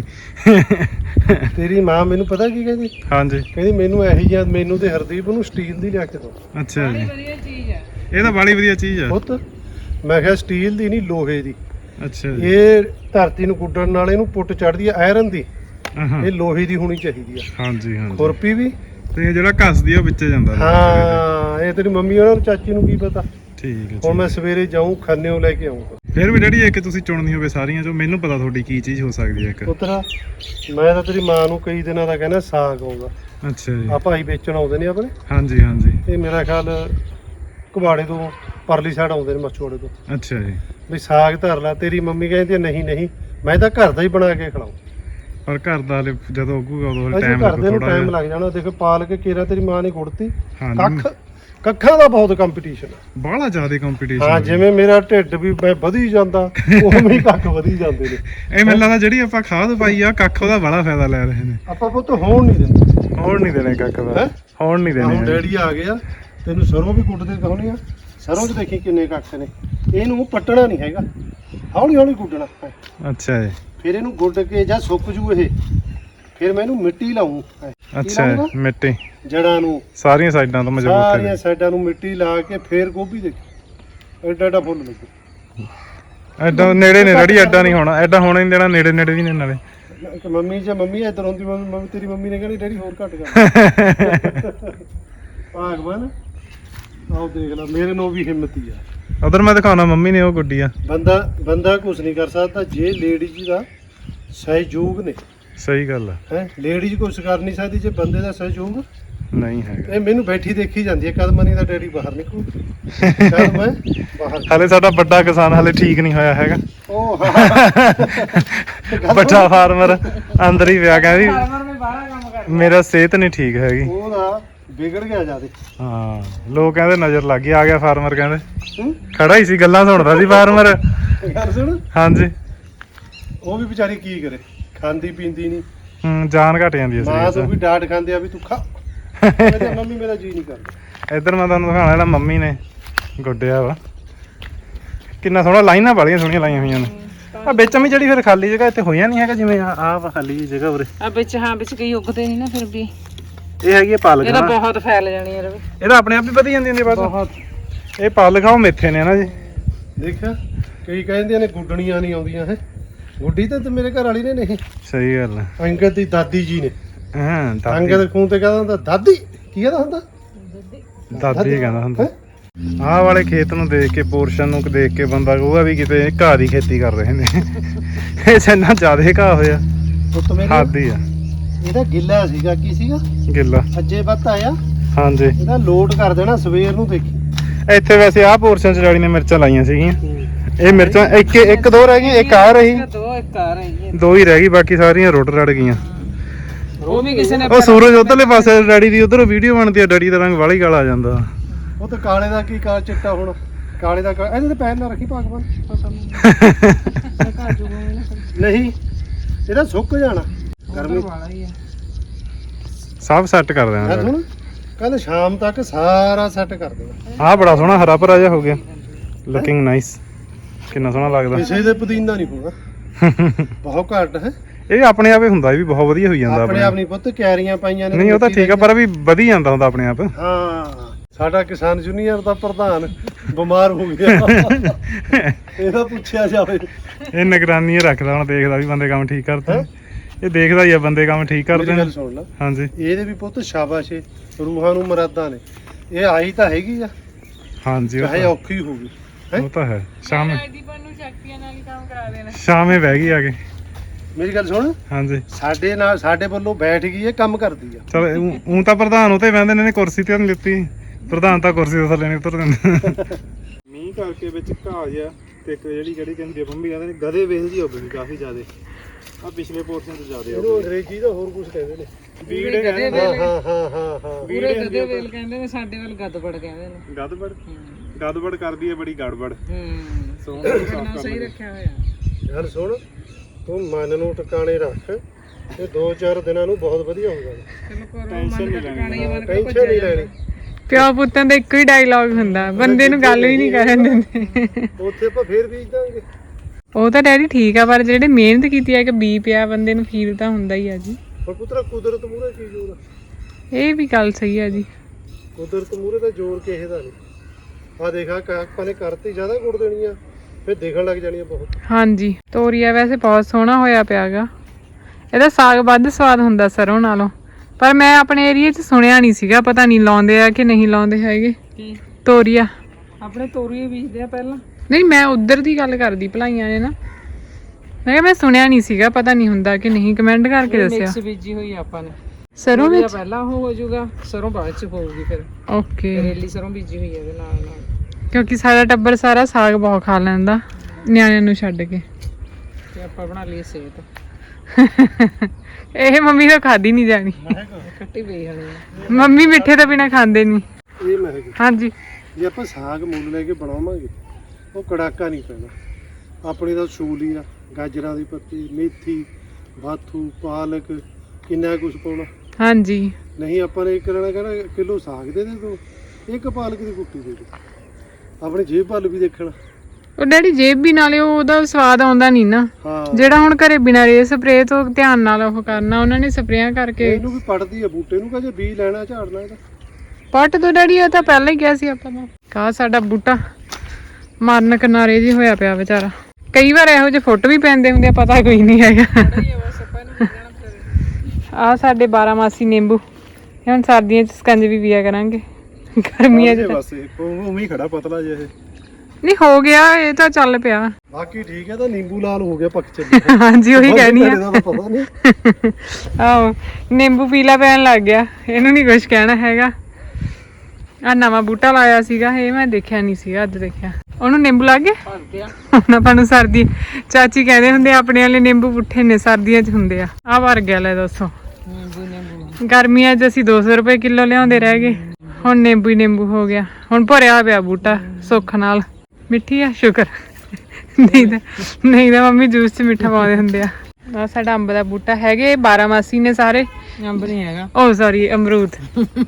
ਤੇਰੀ ਮਾਂ ਮੈਨੂੰ ਪਤਾ ਕੀ ਕਹਿੰਦੀ
ਹਾਂਜੀ
ਕਹਿੰਦੀ ਮੈਨੂੰ ਇਹੀ ਜਿਹਾ ਮੈਨੂੰ ਤੇ ਹਰਦੀਪ ਨੂੰ ਸਟੀਲ ਦੀ ਲਿਆ ਕੇ ਦੋ
ਅੱਛਾ ਜੀ
ਵਧੀਆ ਚੀਜ਼ ਹੈ
ਇਹ ਤਾਂ ਬੜੀ ਵਧੀਆ ਚੀਜ਼ ਆ
ਪੁੱਤ ਮੈਂ ਕਿਹਾ ਸਟੀਲ ਦੀ ਨਹੀਂ ਲੋਹੇ ਦੀ
ਅੱਛਾ ਜੀ
ਇਹ ਧਰਤੀ ਨੂੰ ਕੁੱਟਣ ਨਾਲ ਇਹਨੂੰ ਪੁੱਟ ਚੜਦੀ ਆ ਆਇਰਨ ਦੀ
ਹਾਂ
ਇਹ ਲੋਹੇ ਦੀ ਹੋਣੀ ਚਾਹੀਦੀ ਆ
ਹਾਂਜੀ ਹਾਂਜੀ
ਖੁਰਪੀ ਵੀ
ਤੇ ਜਿਹੜਾ ਘਸਦੀ ਆ ਉਹ ਵਿੱਚੇ ਜਾਂਦਾ ਰਹਿੰਦਾ।
ਹਾਂ ਇਹ ਤੇਰੀ ਮੰਮੀ ਉਹਨਾਂ ਨੂੰ ਚਾਚੀ ਨੂੰ ਕੀ ਪਤਾ
ਠੀਕ ਹੈ
ਹੁਣ
ਜੀ
ਮੈਂ ਸਵੇਰੇ ਜਾਊਂ ਖੰਨਿਓ ਲੈ ਕੇ ਆਉਂਗਾ
ਫਿਰ ਵੀ ਡੈਡੀ ਇੱਕ ਤੁਸੀਂ ਚੁਣਨੀ ਹੋਵੇ ਸਾਰੀਆਂ ਚੋਂ ਮੈਨੂੰ ਪਤਾ ਤੁਹਾਡੀ ਕੀ ਚੀਜ਼ ਹੋ ਸਕਦੀ ਹੈ ਇੱਕ
ਪੁੱਤਰਾ ਮੈਂ ਤਾਂ ਤੇਰੀ ਮਾਂ ਨੂੰ ਕਈ ਦਿਨਾਂ ਦਾ ਕਹਿੰਦਾ ਸਾਗ ਆਉਂਦਾ
ਅੱਛਾ ਜੀ
ਆ ਭਾਈ ਵੇਚਣ ਆਉਂਦੇ ਨੇ ਆਪਣੇ
ਹਾਂਜੀ ਹਾਂਜੀ
ਇਹ ਮੇਰਾ ਖਿਆਲ ਕੁਬਾੜੇ ਤੋਂ ਪਰਲੀ ਸਾਈਡ ਆਉਂਦੇ ਨੇ ਮਛੋੜੇ ਤੋਂ
ਅੱਛਾ ਜੀ
ਵੀ ਸਾਗ ਧਰ ਲੈ ਤੇਰੀ ਮੰਮੀ ਕਹਿੰਦੀ ਨਹੀਂ ਨਹੀਂ ਮੈਂ ਤਾਂ ਘਰ ਦਾ ਹੀ ਬਣਾ ਕੇ ਖਿਲਾਉਂ
ਪਰ ਘਰ ਦਾ ਹਲੇ ਜਦੋਂ ਉੱਗੂਗਾ ਉਦੋਂ
ਅਜੇ
ਟਾਈਮ
ਘਰ ਦੇ
ਲੱਗੂ
ਨੂੰ
ਥੋੜਾ
ਟਾਈਮ
ਜਿਹਾ
ਲੱਗ ਜਾਣਾ ਦੇਖੋ ਪਾਲ ਕੇ ਕੇਰਾ ਤੇਰੀ ਮਾਂ ਨੇ ਗੁੜਤੀ
ਹਾਂਜੀ
ਕੱਖ ਕੱਖਾਂ ਦਾ ਬਹੁਤ ਕੰਪੀਟੀਸ਼ਨ ਹੈ
ਬਾਹਲਾ ਜ਼ਿਆਦਾ ਕੰਪੀਟੀਸ਼ਨ
ਹਾਂ ਜਿਵੇਂ ਮੇਰਾ ਢਿੱਡ ਵੀ ਮੈਂ ਵਧੀ ਜਾਂਦਾ ਉਵੇਂ ਹੀ ਕੱਖ ਵਧੀ ਜਾਂਦੇ ਨੇ
ਇਹ ਮੈਨੂੰ ਲੱਗਦਾ ਜਿਹੜੀ ਆਪਾਂ ਖਾਦ ਪਾਈ ਆ ਕੱਖ ਉਹਦਾ ਬੜਾ ਫਾਇਦਾ ਲੈ ਰਹੇ ਨੇ
ਆਪਾਂ ਪੁੱਤ ਹੋਣ ਨਹੀਂ ਦਿੰਦੇ
ਹੋਣ ਨਹੀਂ ਦੇਣੇ ਕੱਖ ਦਾ
ਹੈਂ?
ਹੋਣ ਨਹੀਂ
ਹੁਣ
ਦੇਣੇ
ਡੈਡੀ ਆ ਗਿਆ ਤੈਨੂੰ ਸਰੋਂ ਵੀ ਕੁੱਟਦੇ ਕਹੋਣੀ ਆ ਸਰੋਂ 'ਚ ਦੇਖੀ ਕਿੰਨੇ ਕੱਖ ਨੇ ਇਹਨੂੰ ਪੱਟਣਾ ਨਹੀਂ ਹੈਗਾ ਹੌਲੀ ਹੌਲੀ ਕੁੱਟਣਾ ਹੈ।
ਅੱਛਾ ਜੀ
ਫਿਰ ਇਹਨੂੰ ਗੁੱਡ ਕੇ ਜਾਂ ਸੁੱਕ ਜੂ ਇਹ ਫਿਰ ਮੈਂ ਇਹਨੂੰ ਮਿੱਟੀ ਲਾਉਂ
ਅੱਛਾ ਜੀ, ਮਿੱਟੀ
ਜੜਾਂ ਨੂੰ
ਸਾਰੀਆਂ ਸਾਈਡਾਂ ਤੋਂ ਮਜ਼ਬੂਤ
ਸਾਰੀਆਂ
ਹੈ
ਸਾਈਡਾਂ ਨੂੰ ਮਿੱਟੀ ਲਾ ਕੇ ਫੇਰ ਗੋਭੀ ਦੇਖੀ ਐਡਾ ਐਡਾ ਫੁੱਲ ਲੱਗੂ
ਐਡਾ ਨੇੜੇ ਨੇ ਡੈਡੀ ਐਡਾ ਨਹੀਂ ਹੋਣਾ ਐਡਾ ਹੋਣਾ ਨਹੀਂ ਦੇਣਾ ਨੇੜੇ ਨੇੜੇ ਵੀ ਨੇ ਨਾਲੇ
ਕਿ ਮੰਮੀ ਜੇ ਮੰਮੀ ਇੱਧਰ ਹੁੰਦੀ ਮੰਮੀ ਮੰਮੀ ਤੇਰੀ ਮੰਮੀ ਨੇ ਕਹਿੰਦੀ ਡੈਡੀ ਹੋਰ ਘੱਟ ਕਰ ਭਾਗਵਾਨ ਆਓ ਦੇਖ ਲੈ ਮੇਰੇ ਨੂੰ ਵੀ ਹਿੰਮਤ ਹੀ ਆ
ਉਧਰ ਮੈਂ ਦਿਖਾਉਣਾ ਮੰਮੀ ਨੇ ਉਹ ਗੁੱਡੀ ਆ
ਬੰਦਾ ਬੰਦਾ ਕੁਝ ਨਹੀਂ ਕਰ ਸਕਦਾ ਜੇ ਲੇਡੀਜ਼ ਦਾ ਸਹਿਯੋਗ ਨੇ
ਸਹੀ ਗੱਲ ਆ
ਹੈ ਲੇਡੀਜ਼ ਕੁਝ ਕਰ ਨਹੀਂ ਸਕਦੀ ਜੇ ਬੰਦੇ ਦਾ ਸਹਿਯੋਗ
ਨਹੀਂ ਹੈਗਾ
ਇਹ ਮੈਨੂੰ ਬੈਠੀ ਦੇਖੀ ਜਾਂਦੀ ਹੈ ਕਦ ਮਨੀ ਦਾ ਡੈਡੀ ਬਾਹਰ ਨਿਕਲੂ ਕਦ ਮੈਂ ਬਾਹਰ
ਹਲੇ ਸਾਡਾ ਵੱਡਾ ਕਿਸਾਨ ਹਲੇ ਠੀਕ ਨਹੀਂ ਹੋਇਆ ਹੈਗਾ
ਉਹ ਹਾਂ
ਵੱਡਾ ਫਾਰਮਰ ਅੰਦਰ ਹੀ ਪਿਆ ਕਹਿੰਦੀ
ਫਾਰਮਰ ਨੇ ਬਾਹਲਾ ਕੰਮ ਕਰ
ਮੇਰਾ ਸਿਹਤ ਨਹੀਂ ਠੀਕ ਹੈਗੀ
ਉਹਦਾ ਵਿਗੜ ਗਿਆ ਜਿਆਦੇ
ਹਾਂ ਲੋਕ ਕਹਿੰਦੇ ਨਜ਼ਰ ਲੱਗ ਗਈ ਆ ਗਿਆ ਫਾਰਮਰ ਕਹਿੰਦੇ
ਹੂੰ
ਖੜਾ ਹੀ ਸੀ ਗੱਲਾਂ ਸੁਣਦਾ ਸੀ ਫਾਰਮਰ
ਗੱਲ ਸੁਣ
ਹਾਂਜੀ
ਉਹ ਵੀ ਵਿਚਾਰੀ ਕੀ ਕਰੇ ਖਾਂਦੀ ਪੀਂਦੀ ਨਹੀਂ
ਹੂੰ ਜਾਨ ਘਟ ਜਾਂਦੀ ਹੈ
ਮਾਂ
ਸਰੀਰ
ਤੋਂ
ਤੋਂ
ਵੀ ਡਾਂਟ ਖਾਂਦੇ ਆ ਵੀ ਤੂੰ ਖਾ ਕਹਿੰਦੀ ਮੰਮੀ ਮੇਰਾ ਜੀ ਨਹੀਂ ਕਰਦਾ
ਇੱਧਰ ਮੈਂ ਤੁਹਾਨੂੰ ਦਿਖਾਉਣਾ ਜਿਹੜਾ ਮੰਮੀ ਨੇ ਗੁੱਡਿਆ ਵਾ ਕਿੰਨਾ ਸੋਹਣਾ ਲਾਈਨਾਂ ਵਾਲੀਆਂ ਸੋਹਣੀਆਂ ਲਾਈਆਂ ਹੋਈਆਂ ਨੇ ਆ ਵਿੱਚ ਵੀ ਜਿਹੜੀ ਫਿਰ ਖਾਲੀ ਜਗ੍ਹਾ ਇੱਥੇ ਹੋਈਆਂ ਨਹੀਂ ਹੈਗਾ ਜਿਵੇਂ ਆ ਆਹ ਵਾ ਖਾਲੀ ਜਿਹੀ ਜਗ੍ਹਾ ਉਰੇ
ਆ ਵਿੱਚ ਹਾਂ ਵਿੱਚ ਕਈ ਉੱਗਦੇ ਨਹੀਂ ਨਾ ਫਿਰ ਵੀ
ਇਹ ਹੈਗੀ ਆ ਪਾਲਕ
ਇਹਦਾ
ਨਾ
ਬਹੁਤ ਫੈਲ ਜਾਣੀ ਹੈ ਰਵੀ
ਇਹਦਾ ਆਪਣੇ ਆਪ ਹੀ ਵਧੀ ਜਾਂਦੀ ਹੁੰਦੀ ਬਸ
ਬਹੁਤ
ਇਹ ਪਾਲਕ ਆ ਉਹ ਮੇਥੇ ਨੇ ਨਾ ਜੀ
ਦੇਖਿਆ ਕਈ ਕਹਿੰਦੇ ਨੇ ਗੁੱਡਣੀਆਂ ਨਹੀਂ ਆਉਂਦੀਆਂ ਹੈ ਗੁੱਡੀ ਤਾਂ ਤੇ ਮੇਰੇ ਘਰ ਵਾਲੀ ਨੇ ਨਹੀਂ
ਸਹੀ ਗੱਲ ਹੈ
ਅੰਗਦ ਦੀ ਦਾਦੀ ਜੀ ਨੇ
ਹਾਂ ਦਾਦੀ
ਅੰਗਦ ਖੂਨ ਤੇ ਕਹਿੰਦਾ ਹੁੰਦਾ ਦਾਦੀ ਕੀ ਕਹਿੰਦਾ ਹੁੰਦਾ
ਦਾਦੀ ਕਹਿੰਦਾ ਹੁੰਦਾ ਆਹ ਵਾਲੇ ਖੇਤ ਨੂੰ ਦੇਖ ਕੇ ਪੋਰਸ਼ਨ ਨੂੰ ਦੇਖ ਕੇ ਬੰਦਾ ਕਹੂਗਾ ਵੀ ਕਿਤੇ ਘਾਹ ਦੀ ਖੇਤੀ ਕਰ ਰਹੇ ਨੇ ਇਹ ਇੰਨਾ ਜ਼ਿਆਦਾ ਘਾਹ ਹੋਇਆ
ਪੁੱਤ ਮੇਰੇ
ਹੱਦ ਹੀ ਆ
ਇਹਦਾ ਗਿੱਲਾ ਸੀਗਾ ਕੀ ਸੀਗਾ
ਗਿੱਲਾ
ਅੱਜੇ ਬੱਤ ਆਇਆ
ਹਾਂਜੀ
ਇਹਦਾ ਲੋਡ ਕਰ ਦੇਣਾ ਸਵੇਰ ਨੂੰ ਦੇਖੀ
ਇੱਥੇ ਵੈਸੇ ਆਹ ਪੋਰਸ਼ਨ ਚ ਡੈਡੀ ਨੇ ਮਿਰਚਾਂ ਲਾਈਆਂ ਸੀਗੀਆਂ ਇਹ ਮਿਰਚਾਂ ਇੱਕ ਇੱਕ ਦੋ ਰਹਿ ਗਈਆਂ ਇੱਕ ਆ ਰਹੀ
ਦੋ ਇੱਕ ਆ ਰਹੀ ਹੈ
ਦੋ ਹੀ ਰਹਿ ਗਈ ਬਾਕੀ ਸਾਰੀਆਂ ਰੁੱਟ ਰੜ ਗਈਆਂ
ਉਹ ਵੀ ਕਿਸੇ ਨੇ
ਉਹ ਸੂਰਜ ਉਧਰਲੇ ਪਾਸੇ ਡੈਡੀ ਦੀ ਉਧਰੋਂ ਵੀਡੀਓ ਬਣਦੀ ਆ ਡੈਡੀ ਦਾ ਰੰਗ ਵਾਲੀ ਕਾਲਾ ਆ ਜਾਂਦਾ
ਉਹ ਤਾਂ ਕਾਲੇ ਦਾ ਕੀ ਕਾਲ ਚਿੱਟਾ ਹੁਣ ਕਾਲੇ ਦਾ ਕਾ- ਇਹਦੇ ਤੇ ਪੈਰ ਨਾ ਰੱਖੀ ਭਾਗਵਾਨ ਨਹੀਂ ਇਹਦਾ ਸੁੱਕ ਜਾਣਾ ਗਰਮੀ
ਵਾਲਾ ਹੀ ਹੈ
ਸਭ ਸੈੱਟ ਕਰ ਦੇਣਾ
ਮੈਂ ਸੁਣ ਕੱਲ ਸ਼ਾਮ ਤੱਕ ਸਾਰਾ ਸੈੱਟ ਕਰ ਦੇਣਾ
ਆਹ ਬੜਾ ਸੋਹਣਾ ਹਰਾ ਭਰਾ ਜਿਹਾ ਹੋ ਗਿਆ ਲੁਕਿੰਗ ਨਾਈਸ ਕਿੰਨਾ ਸੋਹਣਾ ਲੱਗਦਾ
ਕਿਸੇ ਦੇ ਪੁਦੀਨਾ ਨਹੀਂ ਹੋਣਾ ਬਹੁਤ ਘੱਟ ਹੈ
ਇਹ ਆਪਣੇ ਆਪ ਹੀ ਹੁੰਦਾ ਇਹ ਵੀ ਬਹੁਤ ਵਧੀਆ ਹੋਈ ਜਾਂਦਾ
ਆਪਣੇ ਆਪ ਨਹੀਂ ਪੁੱਤ ਕੈਰੀਆਂ ਪਾਈਆਂ ਨੇ
ਨਹੀਂ ਉਹ ਤਾਂ ਠੀਕ ਆ ਪਰ ਵੀ ਵਧੀ ਜਾਂਦਾ ਹੁੰਦਾ ਆਪਣੇ ਆਪ
ਹਾਂ ਸਾਡਾ ਕਿਸਾਨ ਜੂਨੀਅਰ ਦਾ ਪ੍ਰਧਾਨ ਬਿਮਾਰ ਹੋ ਗਿਆ ਇਹਦਾ ਪੁੱਛਿਆ ਜਾਵੇ
ਇਹ ਨਿਗਰਾਨੀ ਰੱਖਦਾ ਹੁਣ ਦੇਖਦਾ ਵੀ ਬੰਦੇ ਕੰਮ ਠੀਕ ਕਰਦੇ ਇਹ ਦੇਖਦਾ ਹੀ ਆ ਬੰਦੇ ਕੰਮ ਠੀਕ ਕਰਦੇ
ਮੇਰੀ
ਨੇ
ਗੱਲ ਸੁਣ ਲੈ,
ਹਾਂਜੀ
ਇਹਦੇ ਵੀ ਪੁੱਤ ਸ਼ਾਬਾਸ਼ ਏ, ਰੂਹਾਂ ਨੂੰ ਮਰਾਦਾਂ ਨੇ। ਇਹ ਆਈ ਤਾਂ ਹੈਗੀ ਆ,
ਹਾਂਜੀ ਉਹ
ਚਾਹੇ
ਤਾਂ-
ਔਖੀ ਹੋਊਗੀ। ਹੈਂ?
ਉਹ ਤਾਂ ਹੈ ਸ਼ਾਮ
ਦੀਪਨ ਨੂੰ ਸ਼ਕਤੀਆਂ ਨਾਲ ਹੀ ਕੰਮ ਕਰਾ ਦੇਣਾ।
ਸ਼ਾਮੇ ਬਹਿ ਗਈ ਆ ਕੇ
ਮੇਰੀ ਗੱਲ ਸੁਣ,
ਹਾਂਜੀ
ਸਾਡੇ ਨਾਲ ਸਾਡੇ ਵੱਲੋਂ ਬੈਠ ਗਈ ਇਹ ਕੰਮ ਕਰਦੀ ਆ।
ਚਲ ਉਹ ਤਾਂ ਪ੍ਰਧਾਨ ਉਤੇ ਬਹਿੰਦੇ ਨੇ, ਇਹਨੇ ਕੁਰਸੀ ਤੇ ਨਹੀਂ ਲਿੱਤੀ। ਪ੍ਰਧਾਨ ਤਾਂ ਕੁਰਸੀ ਤੋਂ ਥੱਲੇ ਨਹੀਂ ਉਤਰ ਦਿੰਦੇ। ਮੀਂਹ ਕਰਕੇ ਵਿੱਚ ਘਾਹ ਜਿਹਾ ਤੇ ਇੱਕ ਜਿਹੜੀ ਕਿਹੜੀ ਕਹਿੰਦੀ ਆ ਮੰਮੀ ਕਹਿੰਦੇ ਨੇ ਗਧੇ ਵੇਲ ਜੀ ਹੋ ਗਈ ਕਾਫੀ ਜ਼ਿਆਦੇ। ਆ ਪਿਛਲੇ ਪੋਰਸ਼ਨ ਤੋਂ ਜ਼ਿਆਦੇ ਹੋ
ਇਹਨੂੰ ਅੰਗਰੇਜ਼ੀ ਦਾ ਹੋਰ ਕੁਝ ਕਹਿੰਦੇ ਨੇ।
ਬੀੜ
ਗਧੇ
ਕਹਿੰਦੇ
ਹਾਂ
ਵੇਲ,
ਹਾਂ ਹਾਂ ਹਾਂ ਹਾਂ
ਪੂਰੇ ਗਧੇ ਵੇਲ ਕਹਿੰਦੇ ਨੇ, ਸਾਡੇ ਵੱਲ ਗੱਦਬੜ ਕਹਿੰਦੇ ਨੇ।
ਗਦਬੜ ਗਦਬੜ ਕਰਦੀ ਹੈ ਬੜੀ ਗੜਬੜ।
ਹੂੰ
ਸੋ
ਨਾਮ ਸਹੀ ਰੱਖਿਆ ਹੋਇਆ।
ਗੱਲ ਸੁਣ, ਤੂੰ ਮਨ ਨੂੰ ਟਿਕਾਣੇ ਰੱਖ, ਇਹ ਦੋ ਚਾਰ ਦਿਨਾਂ ਨੂੰ ਬਹੁਤ ਵਧੀਆ ਹੋ ਜਾਣਾ।
ਚਲੋ ਕਰੋ
Tension
ਮਨ
ਨਹੀਂ
ਦਾ
ਲੈਣੀ।
ਟਿਕਾਣਾ ਹੀ ਬਣ ਕੇ
ਟੈਨਸ਼ਨ ਨਹੀਂ ਲੈਣੀ।
ਪਿਓ ਪੁੱਤਾਂ ਦਾ ਇੱਕੋ ਹੀ ਡਾਇਲੌਗ ਹੁੰਦਾ, ਬੰਦੇ ਨੂੰ ਗੱਲ ਵੀ ਨਹੀਂ ਕਰਨ ਦਿੰਦੇ।
ਉੱਥੇ ਆਪਾਂ ਫੇਰ ਬੀਜ ਦਾਂਗੇ।
ਉਹ ਤਾਂ ਡੈਡੀ ਠੀਕ ਆ, ਪਰ ਜਿਹੜੇ ਮਿਹਨਤ ਕੀਤੀ ਆ ਕਿ ਬੀ ਪਿਆ ਬੰਦੇ ਨੂੰ ਫੀਲ ਤਾਂ ਹੁੰਦਾ ਹੀ ਆ ਜੀ।
ਪਰ ਪੁੱਤਰਾ ਕੁਦਰਤ ਮੂਹਰੇ ਕੀ ਜ਼ੋਰ ਆ?
ਇਹ ਵੀ ਗੱਲ ਸਹੀ ਆ ਜੀ।
ਕੁਦਰਤ ਮੂਹਰੇ ਦਾ ਜ਼ੋਰ ਕਿਸੇ ਦਾ ਨਹੀਂ। ਆ ਦੇਖਾ ਆਪਾਂ ਨੇ ਕਰਤੀ ਜ਼ਿਆਦਾ ਗੁੜ ਦੇਣੀ ਆ, ਫਿਰ ਦੇਖਣ ਲੱਗ ਜਾਣੀ ਆ ਬਹੁਤ।
ਹਾਂਜੀ ਤੋਰੀਆ ਵੈਸੇ ਬਹੁਤ ਸੋਹਣਾ ਹੋਇਆ ਪਿਆਗਾ। ਇਹਦਾ ਸਾਗ ਵੱਧ ਸਵਾਦ ਹੁੰਦਾ ਸਰੋਂ ਨਾਲੋਂ, ਪਰ ਮੈਂ ਆਪਣੇ ਏਰੀਆ 'ਚ ਸੁਣਿਆ ਨਹੀਂ ਸੀਗਾ, ਪਤਾ ਨਹੀਂ ਲਾਉਂਦੇ ਆ ਕਿ ਨਹੀਂ ਲਾਉਂਦੇ ਹੈਗੇ
ਕੀ
ਤੋਰੀਆ।
ਆਪਣੇ ਤੋਰੀਏ ਬੀਜਦੇ ਆ ਪਹਿਲਾਂ।
ਨਹੀਂ ਮੈਂ ਉਧਰ ਦੀ ਗੱਲ ਕਰਦੀ ਭਲਾਈਆਂ ਨੇ ਨਾ, ਮੈਂ ਕਿਹਾ ਮੈਂ ਸੁਣਿਆ ਨਹੀਂ ਸੀਗਾ, ਪਤਾ ਨਹੀਂ ਹੁੰਦਾ ਕਿ ਨਹੀਂ, ਕਮੈਂਟ ਕਰਕੇ ਦੱਸਿਆ।
ਮਿਕਸ ਬੀਜੀ ਹੋਈ ਆ ਆਪਾਂ ਨੇ।
ਸਰੋਂ
ਤੋਰੀਆ
ਵਿੱਚ
ਪਹਿਲਾਂ ਉਹ ਹੋ ਜਾਊਗਾ, ਸਰੋਂ ਬਾਅਦ ਚ ਹੋਊਗੀ। ਫਿਰ
ਓਕੇ,
ਰੇਲੀ ਸਰੋਂ ਬੀਜੀ ਹੋਈ ਆ ਇਹਦੇ ਨਾਲ ਨਾਲ।
ਕਿਉਂਕਿ ਸਾਡਾ ਟੱਬਰ ਸਾਰਾ ਸਾਗ ਬਹੁਤ ਖਾ ਲੈਂਦਾ ਨਿਆਣਿਆਂ ਨੂੰ ਛੱਡ ਕੇ।
ਤੇ ਆਪਾਂ ਬਣਾ ਲਈ ਸਿਹਤ।
ਇਹ ਮੰਮੀ ਤੋਂ ਖਾਦੀ ਨਹੀਂ ਜਾਣੀ,
ਖੱਟੀ ਪਈ ਹਣੀ ਆ।
ਮੰਮੀ ਮਿੱਠੇ ਤੋਂ ਬਿਨਾ ਖਾਂਦੇ ਨਹੀਂ।
ਇਹ ਮੈਂ ਕਿਹਾ
ਹਾਂਜੀ
ਜੇ ਆਪਾਂ ਸਾਗ ਮੁੱਲ ਲੈ ਕੇ ਬਣਾਵਾਂਗੇ ਉਹ ਕੜਾਕਾ ਨਹੀਂ ਪੈਣਾ। ਆਪਣੇ ਦਾ ਛੂਲੀ ਆ, ਗਾਜਰਾਂ ਦੀ ਪੱਤੀ, ਮੇਥੀ, ਬਾਥੂ, ਪਾਲਕ, ਕਿੰਨਾ ਕੁਝ ਪਾਉਣਾ।
ਹਾਂਜੀ
ਨਹੀਂ ਆਪਾਂ ਨੇ ਇੱਕ ਲੈਣਾ ਕਹਿਣਾ ਕਿਲੋ ਸਾਗ ਦੇ ਦੇ ਦੋ, ਇੱਕ ਪਾਲਕ ਦੀ ਗੁੱਟੀ ਦੇ ਦੇ। ਆਪਣੇ ਜੇਬ ਵੱਲ ਵੀ ਦੇਖਣਾ।
ਉਹ ਡੈਡੀ ਜੇਬ ਵੀ ਨਾਲੇ ਉਹਦਾ ਸਵਾਦ ਆਉਂਦਾ ਨਹੀਂ ਨਾ,
ਹਾਂ
ਜਿਹੜਾ ਹੁਣ ਘਰੇ ਬਿਨਾਂ ਰੇ ਸਪਰੇਅ ਤੋਂ ਧਿਆਨ ਨਾਲ ਉਹ ਕਰਨਾ, ਉਹਨਾਂ ਨੇ ਸਪਰੇਆਂ ਕਰਕੇ।
ਇਹਨੂੰ ਵੀ ਪੜਦੀ ਆ ਬੂਟੇ ਨੂੰ, ਕਹੇ ਬੀਜ ਲੈਣਾ ਝਾੜਨਾ ਇਹਦਾ।
ਪੱਟ ਤੋਂ ਡੈਡੀ ਉਹ ਤਾਂ ਪਹਿਲਾਂ ਹੀ ਕਿਹਾ ਸੀ ਆਪਾਂ ਨੂੰ। ਕਾ ਸਾਡਾ ਬੂਟਾ ਮਰਨ ਕਿਨਾਰੇ ਜੀ ਹੋਇਆ ਪਿਆ ਵਿਚਾਰਾ। ਕਈ ਵਾਰ ਇਹੋ ਜਿਹੇ ਫੁੱਟ ਵੀ ਪੈਂਦੇ ਹੁੰਦੇ ਆ, ਪਤਾ ਕੋਈ ਨਹੀਂ ਹੈਗਾ।
ਬਸ ਆਪਾਂ ਨੂੰ ਬੀਜਣਾ ਫਿਰ।
ਆ ਸਾਡੇ ਬਾਰਾਮਾਸੀ ਨਿੰਬੂ, ਇਹ ਹੁਣ ਸਰਦੀਆਂ ਚ ਸਕੰਜਵੀ ਪੀਆ ਕਰਾਂਗੇ, ਗਰਮੀਆਂ ਚ ਤਾਂ-
ਬਸ ਇਹ ਉਵੇਂ ਹੀ ਖੜਾ ਪਤਲਾ ਜਿਹਾ ਇਹ।
ਨਹੀਂ ਹੋ ਗਿਆ, ਇਹ ਤਾਂ ਚੱਲ ਪਿਆ।
ਬਾਕੀ ਠੀਕ ਹੈ, ਤਾਂ ਨਿੰਬੂ ਲਾਲ ਹੋ ਗਿਆ ਪੱਕ ਚੱਲੀ।
ਹਾਂਜੀ ਉਹੀ ਕਹਿਣੀ ਆ।
ਇਹਦਾ ਤਾਂ ਪਤਾ ਨਹੀਂ।
ਆਹੋ ਨਿੰਬੂ ਪੀਲਾ ਪੈਣ ਲੱਗ ਗਿਆ, ਇਹਨੂੰ ਨਹੀਂ ਕੁਝ ਕਹਿਣਾ ਹੈਗਾ। ਆ ਨਵਾਂ ਬੂਟਾ ਲਾਇਆ ਸੀਗਾ, ਇਹ ਮੈਂ ਦੇਖਿਆ ਨਹੀਂ ਸੀਗਾ, ਅੱਜ ਦੇਖਿਆ। ਉਹਨੂੰ ਨਿੰਬੂ ਲੱਗ ਗਏ।
ਭਰ ਗਿਆ।
ਹੁਣ ਆਪਾਂ ਨੂੰ ਸਰਦੀ, ਚਾਚੀ ਕਹਿੰਦੇ ਹੁੰਦੇ ਆ, ਆਪਣੇ ਵਾਲੇ ਨਿੰਬੂ ਪੁੱਠੇ ਨੇ, ਸਰਦੀਆਂ 'ਚ ਹੁੰਦੇ ਆ। ਆ ਭਰ ਗਿਆ ਲੈ ਦੱਸੋ।
ਨਿੰਬੂ ਨਿੰਬੂ
ਗਰਮੀਆਂ 'ਚ ਅਸੀਂ ਦੋ ਸੌ ਰੁਪਏ ਕਿਲੋ ਲਿਆਉਂਦੇ ਰਹਿ ਗਏ, ਹੁਣ ਨਿੰਬੂ ਹੀ ਨਿੰਬੂ ਹੋ ਗਿਆ। ਹੁਣ ਭਰਿਆ ਪਿਆ ਬੂਟਾ ਸੁੱਖ ਨਾਲ। ਮਿੱਠੀ ਆ ਸ਼ੁਕਰ, ਨਹੀਂ ਤਾਂ ਨਹੀਂ ਤਾਂ ਮੰਮੀ ਜੂਸ 'ਚ ਮਿੱਠਾ ਪਾਉਂਦੇ ਹੁੰਦੇ ਆ। ਆ ਸਾਡਾ ਅੰਬ ਦਾ ਬੂਟਾ ਹੈਗੇ, ਬਾਰਾਮਾਸੀ ਨੇ ਸਾਰੇ।
ਅੰਬ ਨਹੀਂ ਹੈਗਾ।
ਓ ਸੌਰੀ ਅਮਰੂਦ।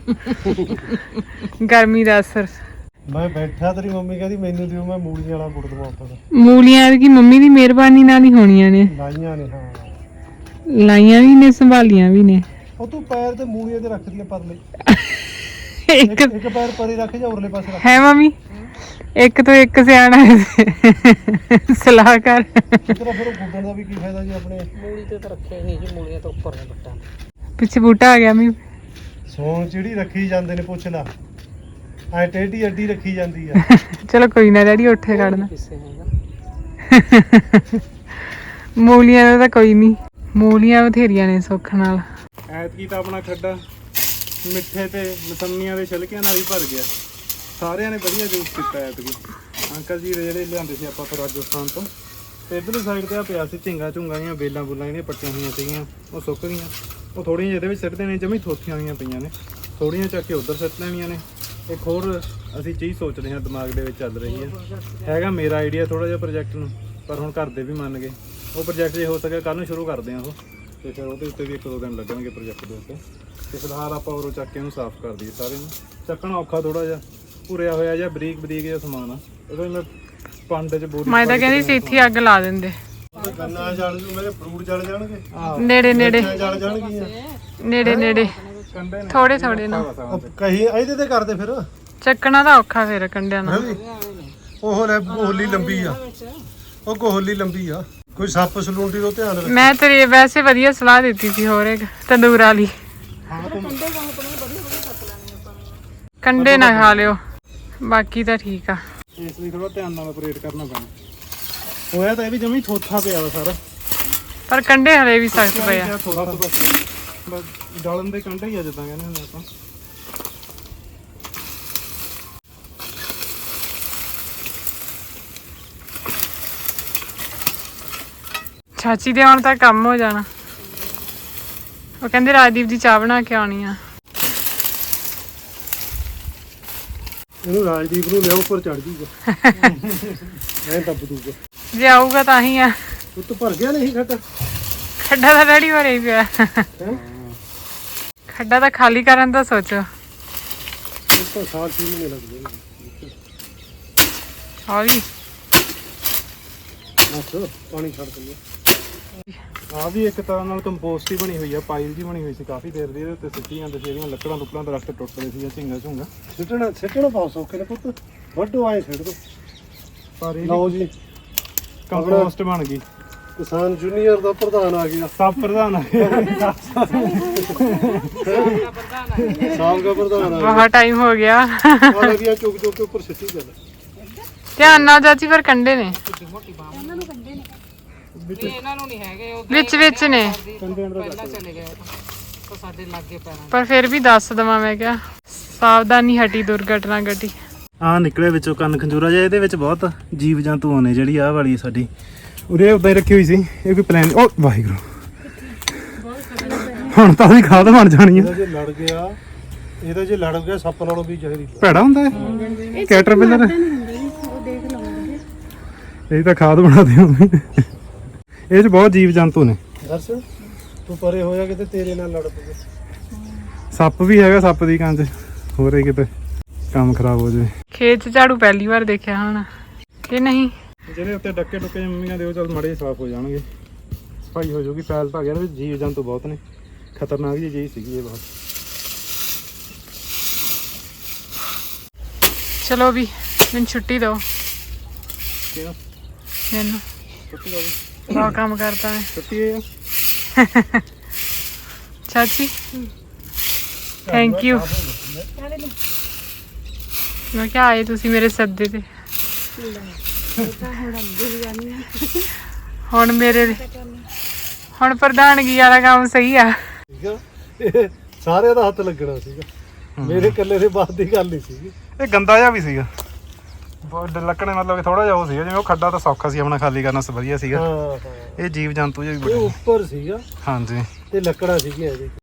ਗਰਮੀ ਦਾ ਅਸਰ।
ਮੈਂ ਬੈਠਾ, ਤੇਰੀ ਮੰਮੀ ਕਹਿੰਦੀ ਮੈਨੂੰ ਦਿਓ, ਮੈਂ ਮੂਲੀਆਂ ਵਾਲਾ ਗੁੜ ਦਵਾ ਤਾ।
ਮੂਲੀਆਂ ਦੀ ਮੰਮੀ ਦੀ ਮਿਹਰਬਾਨੀ ਨਾਲ ਹੀ ਹੋਣੀਆਂ ਨੇ,
ਲਾਈਆਂ ਨੇ ਹਾਂ।
ਲਾਈਆਂ ਵੀ ਨੇ ਸੰਭਾਲੀਆਂ ਵੀ ਨੇ।
ਉਹ ਤੂੰ ਪੈਰ ਤੇ ਮੂਲੀਆਂ ਤੇ ਰੱਖਦੀਆਂ ਪਰਲੇ,
ਇੱਕ
ਇੱਕ ਇੱਕ ਪੈਰ ਪਰੇ ਰੱਖ ਜਾਂ ਉਰਲੇ ਪਾਸੇ ਰੱਖ।
ਹੈ ਮੰਮੀ, ਇੱਕ ਤੋਂ ਇੱਕ ਸਿਆਣਾ ਸਲਾਹਕਾਰ।
ਤੇਰਾ ਫਿਰ ਉਹ ਗੁੱਡਣ ਦਾ ਵੀ ਕੀ ਫਾਇਦਾ ਜੀ ਆਪਣੇ।
ਮੂਲੀ ਤੇ ਤਾਂ ਰੱਖਿਆ ਨਹੀਂ ਜੀ, ਮੂਲੀਆਂ ਤੋਂ ਉੱਪਰ ਨੇ ਬੱਟਾ।
ਪਿੱਛੇ ਬੂਟਾ ਆ ਗਿਆ ਮੰਮੀ।
ਸੋਨ ਜਿਹੜੀ ਰੱਖੀ ਜਾਂਦੇ ਨੇ, ਪੁੱਛ ਲਾ। ਐ ਟੇਢੀ ਅੱਡੀ ਰੱਖੀ ਜਾਂਦੀ ਆ।
ਚਲੋ ਕੋਈ ਨਾ ਡੈਡੀ ਉੱਠੇ ਕੱਢਣਾ।
ਕਿਸੇ ਹੈਗਾ
ਮੂਲੀਆਂ ਦਾ ਤਾਂ ਕੋਈ ਨਹੀਂ, ਮੂਲੀਆਂ ਬਥੇਰੀਆਂ ਨੇ ਸੁੱਖ ਨਾਲ।
ਐਤਕੀ ਤਾਂ ਆਪਣਾ ਖੱਡਾ ਮਿੱਠੇ ਤੇ ਮਸੰਮੀਆਂ ਦੇ ਛਿਲਕਿਆਂ ਨਾਲ ਹੀ ਭਰ ਗਿਆ। ਸਾਰਿਆਂ ਨੇ ਵਧੀਆ ਜੂਸ ਪੀਤਾ ਐਤਕੀ। ਅੰਕਲ ਜੀ ਦੇ ਜਿਹੜੇ ਲਿਆਂਦੇ ਸੀ ਆਪਾਂ ਤੋਂ ਰਾਜਸਥਾਨ ਤੋਂ, ਤੇ ਇੱਧਰਲੀ ਸਾਈਡ ਤੇ ਆ ਪਿਆ ਸੀ ਝਿੰਗਾ ਝੁੰਗਾ ਦੀਆਂ ਬੇਲਾਂ ਬੁੱਲਾਂ ਜਿਹੜੀਆਂ ਪੱਟੀਆਂ ਹੋਈਆਂ ਸੀਗੀਆਂ, ਉਹ ਸੁੱਕ ਗਈਆਂ। ਉਹ ਥੋੜ੍ਹੀਆਂ ਜਿਹਦੇ ਵਿੱਚ ਸਿੱਟਦੇ ਨੇ, ਜਮੀ ਥੋਥੀਆਂ ਹੋਈਆਂ ਪਈਆਂ ਨੇ, ਥੋੜ੍ਹੀਆਂ ਚੱਕ ਕੇ ਉੱਧਰ ਸਿੱਟ ਲੈਣੀਆਂ ਨੇ। ਇੱਕ ਹੋਰ ਅਸੀਂ ਚੀਜ਼ ਸੋਚ ਰਹੇ ਹਾਂ, ਦਿਮਾਗ ਦੇ ਵਿੱਚ ਚੱਲ ਰਹੀ ਹੈ। ਹੈਗਾ ਮੇਰਾ ਆਈਡੀਆ ਥੋੜ੍ਹਾ ਜਿਹਾ ਪ੍ਰੋਜੈਕਟ ਨੂੰ, ਪਰ ਹੁਣ ਘਰ ਦੇ ਵੀ ਮੰਨ ਗਏ। ਉਹ ਪ੍ਰੋਜੈਕਟ ਜੇ ਹੋ ਸਕੇ ਕੱਲ੍ਹ ਨੂੰ ਸ਼ੁਰੂ ਕਰਦੇ ਹਾਂ ਉਹ, ਤੇ ਫਿਰ ਉਹਦੇ ਉੱਤੇ ਵੀ ਇੱਕ ਦੋ ਦਿਨ ਲੱਗਣਗੇ ਪ੍ਰੋਜੈਕਟ ਦੇ ਉੱਤੇ। ਤੇ ਫਿਲਹਾਲ ਆਪਾਂ ਉਰੋਂ ਚੱਕ ਕੇ ਇਹਨੂੰ ਸਾਫ਼ ਕਰ ਦਈਏ। ਸਾਰੇ ਨੂੰ ਚੱਕਣਾ ਔਖਾ ਥੋੜਾ ਜਿਹਾ, ਭੁਰਿਆ ਹੋਇਆ ਜਾਂ ਬਰੀਕ ਬਰੀਕ ਜਿਹਾ ਸਮਾਨ ਆ। ਉਹਦੇ ਮੈਂ ਪੰਡ 'ਚ ਬੋਰੀ
ਮੈਂ ਤਾਂ ਕਹਿੰਦੀ ਸੀ ਇੱਥੇ ਅੱਗ ਲਾ ਦਿੰਦੇ।
ਗੰਨਾ ਜਲ ਜੂ, ਮੇਰੇ ਫਰੂਟ ਜਲ ਜਾਣਗੇ,
ਨੇੜੇ ਨੇੜੇ
ਜਲ ਜਾਣਗੀਆਂ।
ਨੇੜੇ ਨੇੜੇ ਥੋੜੇ ਥੋੜੇ ਨਾ
ਕਹੀ ਇਹਦੇ ਤੇ ਕਰਦੇ ਫਿਰ।
ਚੱਕਣਾ ਤਾਂ ਔਖਾ ਫਿਰ ਕੰਡਿਆਂ ਨਾਲ।
ਉਹ ਲੈ ਕੋਹਲੀ ਲੰਬੀ ਆ, ਉਹ ਕੋਹਲੀ ਲੰਬੀ ਆ। ਕੋਈ ਸੱਪ ਸਲੂੰਡੀ ਤੋਂ ਧਿਆਨ ਰੱਖ।
ਮੈਂ ਤੇਰੀ ਵੈਸੇ ਵਧੀਆ ਸਲਾਹ ਦਿੱਤੀ ਸੀ ਹੋਰ ਇੱਕ ਤੰਦੂਰ ਵਾਲੀ। ਕੰਡੇ ਨਾ ਖਾ ਲਿਓ, ਬਾਕੀ ਤਾਂ ਠੀਕ ਆ।
ਇਸ ਲਈ ਥੋੜਾ ਧਿਆਨ ਨਾਲ ਆਪਰੇਟ ਕਰਨਾ ਪੈਣਾ। ਹੋਇਆ ਤਾਂ ਇਹ ਵੀ ਜਮੀ ਥੋਥਾ ਪਿਆ ਵਾ ਸਾਰਾ,
ਪਰ ਕੰਡੇ ਹਲੇ ਵੀ ਸਖਤ ਪਏ ਆ।
ਡਾਲਣ ਦੇ ਕੰਡੇ ਹੀ ਆ ਜਿੱਦਾਂ ਕਹਿੰਦੇ ਹੁੰਦੇ ਆਪਾਂ।
ਚਾਚੀ ਦੇ ਆਉਣ ਤੱਕ ਕੰਮ ਹੋ ਜਾਣਾ। ਉਹ ਕਹਿੰਦੇ ਰਾਜਦੀਪ ਦੀ ਚਾਹ ਬਣਾ ਕੇ ਆਉਣੀ ਆ।
ਇਹਨੂੰ ਰਾਜਦੀਪ ਨੂੰ ਲਿਆ ਉੱਪਰ ਚੜ ਜੂਗਾ ਐ ਦੱਬ ਦੂਗਾ।
ਜੇ ਆਊਗਾ ਤਾਂ ਹੀ ਆ।
ਉੱਤ ਭਰ ਗਿਆ ਨਹੀਂ ਖੱਟਾ।
ਖੱਡਾ ਤਾਂ ਡੈਡੀ ਭਰੇ ਹੀ ਪਿਆ। ਖੱਡਾ ਤਾਂ ਖਾਲੀ ਕਰਨ ਦਾ ਸੋਚੋ।
ਇਸ ਤੋਂ ਸਾਲ ਛੇ ਮਹੀਨੇ ਲੱਗਦੇ ਨੇ।
ਆ ਵੀ
ਬਸ ਪਾਣੀ ਛੱਡ ਦਿੰਦੇ।
ਆ ਵੀ ਇੱਕ ਤਰ੍ਹਾਂ ਨਾਲ ਕੰਪੋਸਟ ਹੀ ਬਣੀ ਹੋਈ ਆ, ਪਾਈਲ ਜੀ ਬਣੀ ਹੋਈ ਸੀ ਕਾਫੀ ਦੇਰ ਦੀ। ਇਹਦੇ ਉੱਤੇ ਸਿੱਟੀ ਜਾਂਦੇ ਸੀ, ਇਹਦੀਆਂ ਲੱਕੜਾਂ ਲੁੱਕੜਾਂ ਦਰਖਤ ਟੁੱਟਦੇ ਸੀ, ਝਿੰਗਾ ਝੁੰਗਾ।
ਸਿੱਟਣਾ ਸਿੱਟਣਾ ਪਾਉ ਸੌਕੇ ਨੇ ਪੁੱਤ, ਵੱਡੋ ਆਏ ਸਿੱਟ ਦੋ।
ਪਰ ਇਹ
ਲਓ ਜੀ
ਕੰਪੋਸਟ ਬਣ ਗਈ।
ਕਿਸਾਨ ਜੂਨੀਅਰ ਦਾ ਪ੍ਰਧਾਨ ਆ ਗਿਆ।
ਸਭ ਪ੍ਰਧਾਨ ਆ ਗਿਆ।
ਸਾਲ ਦਾ ਪ੍ਰਧਾਨ ਆ
ਬਹੁਤ ਟਾਈਮ ਹੋ ਗਿਆ।
ਗਿਆ। ਆ ਲੱਗਿਆ ਚੁੱਕ ਚੁੱਕ ਕੇ ਉੱਪਰ ਸਿੱਟੀ ਚੱਲ।
ਧਿਆਨ ਨਾਲ ਚਾਚੀ, ਪਰ ਕੰਡੇ ਨੇ
ਇਹਨਾਂ ਨੂੰ ਨਹੀਂ ਹੈਗੇ, ਉਹ
ਵਿੱਚ ਵਿੱਚ ਨੇ,
ਪਹਿਲਾਂ ਚਲੇ ਗਏ ਉਹ ਸਾਡੇ ਲਾਗੇ ਪੈਣਾ।
ਪਰ ਫਿਰ ਵੀ ਦੱਸ ਦਵਾਂ ਮੈਂ ਕਿਹਾ ਸਾਵਧਾਨੀ ਹਟੀ ਦੁਰਘਟਨਾ ਘਟੀ।
ਆ ਨਿਕਲਿਆ ਵਿੱਚੋਂ ਕੰਨ ਖੰਜੂਰਾ ਜਿਹਾ। ਇਹਦੇ ਵਿੱਚ ਬਹੁਤ ਜੀਵ ਜੰਤੂ ਆਉਣੇ। ਜਿਹੜੀ ਆਹ ਵਾਲੀ ਸਾਡੀ ਉਰੇ ਉਦਾਂ ਹੀ ਰੱਖੀ ਹੋਈ ਸੀ। ਇਹ ਕੋਈ ਪਲਾਨ ਓ ਵਾਹਿਗੁਰੂ, ਹੁਣ ਤਾਂ ਉਹਦੀ ਖਾਦ ਬਣ ਜਾਣੀ
ਇਹਦਾ
ਆ।
ਜੇ ਲੜ ਗਿਆ, ਇਹਦਾ ਜੇ ਲੜ ਗਿਆ ਸੱਪ ਨਾਲੋਂ ਵੀ ਜ਼ਹਿਰੀ।
ਭੈੜਾ ਹੁੰਦਾ ਹੈ ਕੈਟਰਪਿਲਰ। ਇਹ ਤਾਂ ਖਾਦ ਬਣਾਦੇ ਹੁੰਦੇ। ਇਹ 'ਚ ਬਹੁਤ ਜੀਵ ਜੰਤੂ ਨੇ।
ਦੱਸ ਤੂੰ ਪਰੇ ਹੋਇਆ ਕਿਤੇ ਤੇਰੇ ਨਾਲ ਲੜ ਪਵੇ।
ਸੱਪ ਵੀ ਹੈਗਾ, ਸੱਪ ਦੀ ਕੰਜ ਹੋ ਰਹੀ ਕਿਤੇ ਕੰਮ ਖਰਾਬ ਹੋ ਜਾਵੇ।
ਖੇਤ 'ਚ ਝਾੜੂ ਪਹਿਲੀ ਵਾਰ ਦੇਖਿਆ ਹੁਣ ਕਿ ਨਹੀਂ।
ਜਿਹੜੇ ਉੱਤੇ ਡੱਕੇ ਡੁੱਕੇ ਮੰਮੀਆਂ ਦੇ ਉਹ ਚੱਲ ਮਾੜੇ ਸਾਫ਼ ਹੋ ਜਾਣਗੇ, ਸਫਾਈ ਹੋ ਜਾਊਗੀ। ਫੈਲ ਤਾਂ ਗਿਆ ਨਾ, ਜੀਵ ਜੰਤੂ ਬਹੁਤ ਨੇ। ਖਤਰਨਾਕ ਜਿਹੀ ਚੀਜ਼ ਸੀਗੀ ਇਹ ਬਹੁਤ।
ਚਲੋ ਵੀ ਮੈਨੂੰ ਛੁੱਟੀ ਦਿਓ।
ਕਿਉਂ
ਮੈਨੂੰ
ਛੁੱਟੀ ਹੋ ਗਈ?
ਬਹੁਤ ਕੰਮ ਕਰਦਾ ਮੈਂ।
ਛੁੱਟੀ ਹੈ
ਚਾਚੀ ਥੈਂਕ ਯੂ। ਮੈਂ ਕਿਹਾ ਆਏ ਤੁਸੀਂ ਮੇਰੇ ਸੱਦੇ ਤੇ। ਹੁਣ ਮੇਰੇ ਹੁਣ ਪ੍ਰਧਾਨਗੀ ਵਾਲਾ ਕੰਮ ਸਹੀ ਆ।
ਠੀਕ ਆ, ਇਹ ਸਾਰਿਆਂ ਦਾ ਹੱਥ ਲੱਗਣਾ ਸੀਗਾ, ਮੇਰੇ ਇਕੱਲੇ ਦੇ ਬਾਤ ਦੀ ਗੱਲ ਨਹੀਂ ਸੀਗੀ।
ਇਹ ਗੰਦਾ ਜਿਹਾ ਵੀ ਸੀਗਾ ਬਹੁਤ। ਲੱਕੜੇ ਮਤਲਬ ਕਿ ਥੋੜਾ ਜਿਹਾ ਉਹ ਸੀਗਾ, ਜਿਵੇਂ ਉਹ ਖੱਡਾ ਤਾਂ ਸੌਖਾ ਸੀ ਆਪਣਾ ਖਾਲੀ ਕਰਨਾ ਵਧੀਆ ਸੀਗਾ।
ਹਾਂ ਹਾਂ
ਇਹ ਜੀਵ ਜੰਤੂ ਜਿਹੇ ਵੀ
ਇਹ
ਬੜੇ।
ਉੱਪਰ ਸੀਗਾ
ਹਾਂਜੀ
ਤੇ ਲੱਕੜਾਂ ਸੀਗੀਆਂ ਇਹਦੇ।